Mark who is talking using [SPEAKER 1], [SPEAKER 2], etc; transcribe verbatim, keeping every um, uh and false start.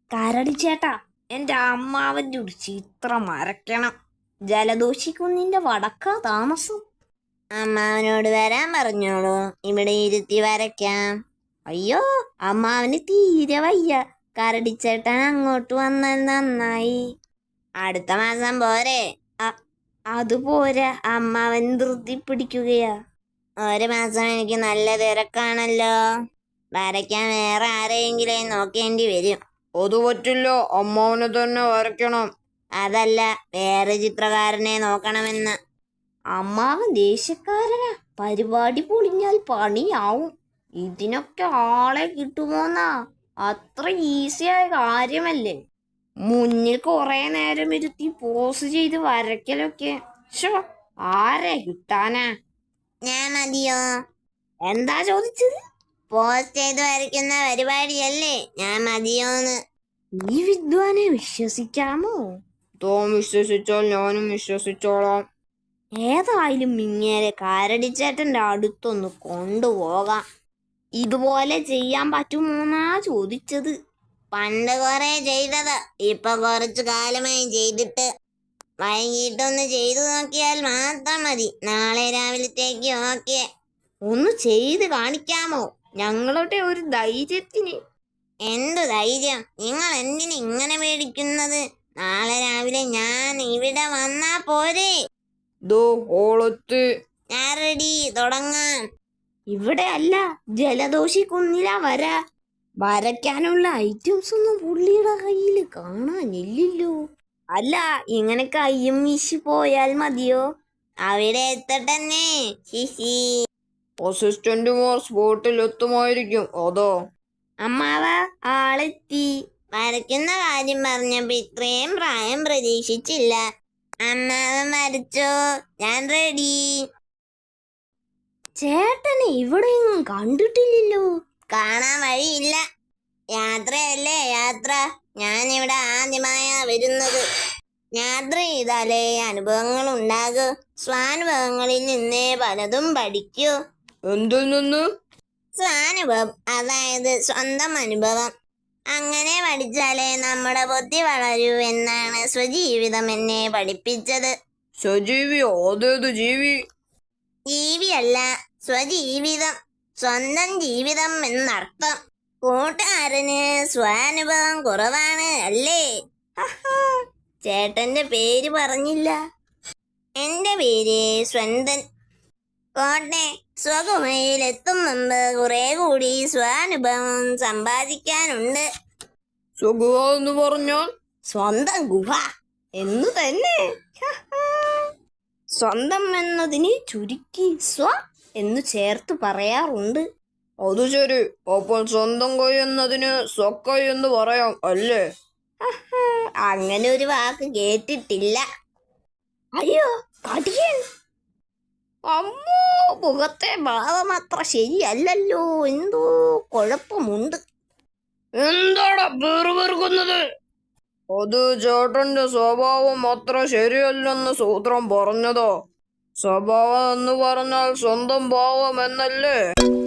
[SPEAKER 1] കരടി ചേട്ടാ, എന്റെ അമ്മാവന്റെ ഒരു ചിത്രം വരയ്ക്കണം. ജലദോഷിക്കുന്നിന്റെ വടക്കാ താമസം.
[SPEAKER 2] അമ്മാവനോട് വരാൻ പറഞ്ഞോളൂ, ഇവിടെ ഇരുത്തി വരയ്ക്കാം.
[SPEAKER 1] അയ്യോ, അമ്മാവന് തീരെ വയ്യ. കരടിച്ചേട്ടൻ അങ്ങോട്ട് വന്നാൽ നന്നായി.
[SPEAKER 2] അടുത്ത മാസം പോരെ?
[SPEAKER 1] അതുപോരാ, അമ്മാവൻ ധൃതി പിടിക്കുകയാ.
[SPEAKER 2] ഒരു മാസം എനിക്ക് നല്ല തിരക്കാണല്ലോ. വരയ്ക്കാൻ വേറെ ആരെയെങ്കിലും നോക്കേണ്ടി വരും.
[SPEAKER 3] അത് പറ്റില്ല, അമ്മാവനെ തന്നെ വരയ്ക്കണം.
[SPEAKER 2] അതല്ല, വേറെ ചിത്രകാരനെ നോക്കണമെന്ന്.
[SPEAKER 1] അമ്മാവൻ ദേഷ്യക്കാരനാ. പരിപാടി പൊളിഞ്ഞാൽ പണിയാവും. ഇതിനൊക്കെ ആളെ കിട്ടുമോന്നാ? അത്ര ഈസിയായ കാര്യമല്ലേ. മുന്നിൽ കുറെ നേരം ഇരുത്തി പോസ് ചെയ്ത് വരയ്ക്കലൊക്കെ. ഷോ, ആരെ കിട്ടാനാ?
[SPEAKER 2] ഞാൻ മതിയോ?
[SPEAKER 1] എന്താ ചോദിച്ചത്?
[SPEAKER 2] പോസ്റ്റ് ചെയ്ത് വരയ്ക്കുന്ന പരിപാടിയല്ലേ, ഞാൻ മതിയോന്ന്.
[SPEAKER 1] ഈ വിദ്വാനെ വിശ്വസിക്കാമോ?
[SPEAKER 3] തോം വിശ്വസിച്ചാൽ ഞാനും വിശ്വസിച്ചോളാം.
[SPEAKER 1] ഏതായാലും ഇങ്ങനെ കരടിച്ചേട്ടന്റെ അടുത്തൊന്ന് കൊണ്ടുപോകാം. ഇതുപോലെ ചെയ്യാൻ പറ്റുമോന്നാ ചോദിച്ചത്.
[SPEAKER 2] പണ്ട് കുറെ ചെയ്തത്, ഇപ്പൊ കുറച്ചു കാലമായി ചെയ്തിട്ട്. വൈകിട്ടൊന്ന് ചെയ്തു നോക്കിയാൽ മാത്രം മതി. നാളെ രാവിലത്തേക്ക് ഓക്കെ.
[SPEAKER 1] ഒന്ന് ചെയ്ത് കാണിക്കാമോ? ഞങ്ങളുടെ ഒരു ധൈര്യത്തിന്.
[SPEAKER 2] എന്തു ധൈര്യം? നിങ്ങൾ എന്തിന് ഇങ്ങനെ പേടിക്കുന്നത്? നാളെ രാവിലെ ഞാൻ ഇവിടെ വന്നാ പോരെ?
[SPEAKER 3] ദോ ഓളത്ത്.
[SPEAKER 2] ഞാൻ റെഡി, തുടങ്ങാം.
[SPEAKER 1] ഇവിടെ അല്ല, ജലദോഷി കുന്നില വര. വരയ്ക്കാനുള്ള ഐറ്റംസ് ഒന്നും പുള്ളിയുടെ കയ്യിൽ കാണാനില്ലല്ലോ. അല്ല, ഇങ്ങനെ കയ്യും വീശി പോയാൽ മതിയോ?
[SPEAKER 2] അവിടെ എത്തട്ടെന്നെ. ഹിഹി.
[SPEAKER 3] അസിസ്റ്റന്റുമാർ സ്പോട്ടിൽ എത്തുമായിരിക്കും. അതോ
[SPEAKER 1] അമ്മാവ, ആളെത്തി.
[SPEAKER 2] വരയ്ക്കുന്ന കാര്യം പറഞ്ഞപ്പോ ഇത്രയും പ്രായം പ്രതീക്ഷിച്ചില്ല. അമ്മാവൻ വരച്ചോ? ഞാൻ റെഡി.
[SPEAKER 1] ചേട്ടനെ ഇവിടെയൊന്നും കണ്ടിട്ടില്ലല്ലോ.
[SPEAKER 2] കാണാൻ വഴിയില്ല. യാത്രയല്ലേ യാത്ര. ഞാനിവിടെ ആദ്യമായാ വരുന്നത്. യാത്ര ചെയ്താലേ അനുഭവങ്ങൾ ഉണ്ടാകൂ. സ്വാനുഭവങ്ങളിൽ നിന്നേ പലതും പഠിക്കൂ.
[SPEAKER 3] എന്തിൽ നിന്ന്?
[SPEAKER 2] സ്വാനുഭവം, അതായത് സ്വന്തം അനുഭവം. അങ്ങനെ പഠിച്ചാലേ നമ്മുടെ ബുദ്ധി വളരൂ എന്നാണ് സ്വജീവിതം എന്നെ പഠിപ്പിച്ചത്.
[SPEAKER 3] സജീവിയോ? അതേത് ജീവി?
[SPEAKER 2] ജീവിയല്ല, സ്വജീവിതം. സ്വന്തം ജീവിതം എന്നർത്ഥം. കൂട്ടുകാരന് സ്വാനുഭവം കുറവാണ് അല്ലേ?
[SPEAKER 1] ചേട്ടന്റെ പേര് പറഞ്ഞില്ല.
[SPEAKER 2] എന്റെ പേര് സ്വന്തൻ. കോട്ടെ, സ്വഗുഹയിലെത്തും മുമ്പ് കുറെ കൂടി സ്വാനുഭവം സമ്പാദിക്കാനുണ്ട്.
[SPEAKER 3] സ്വഗുഹ എന്ന് പറഞ്ഞാൽ?
[SPEAKER 1] സ്വന്തം ഗുഹ എന്നു തന്നെ. സ്വന്തം എന്നതിന് ചുരുക്കി സ്വ എന്നു ചേർത്ത് പറയാറുണ്ട്.
[SPEAKER 3] അത് ശരി. അപ്പോൾ സ്വന്തം കൈ എന്നതിന് സ്വക്കൈ എന്ന് പറയാം അല്ലേ?
[SPEAKER 2] അങ്ങനെ ഒരു വാക്ക് കേട്ടിട്ടില്ല.
[SPEAKER 1] അയ്യോ, കടിയൻ. അമ്മോ, മുഖത്തെ ഭാവം അത്ര ശരിയല്ലല്ലോ. എന്തോ കുഴപ്പമുണ്ട്.
[SPEAKER 3] എന്താടാ പേറുപെറുക്കുന്നത്? അത് ചേട്ടന്റെ സ്വഭാവം അത്ര ശരിയല്ലെന്ന് സൂത്രം പറഞ്ഞതോ? സ്വഭാവം എന്ന് പറഞ്ഞാൽ സ്വന്തം ഭാവം എന്നല്ലേ?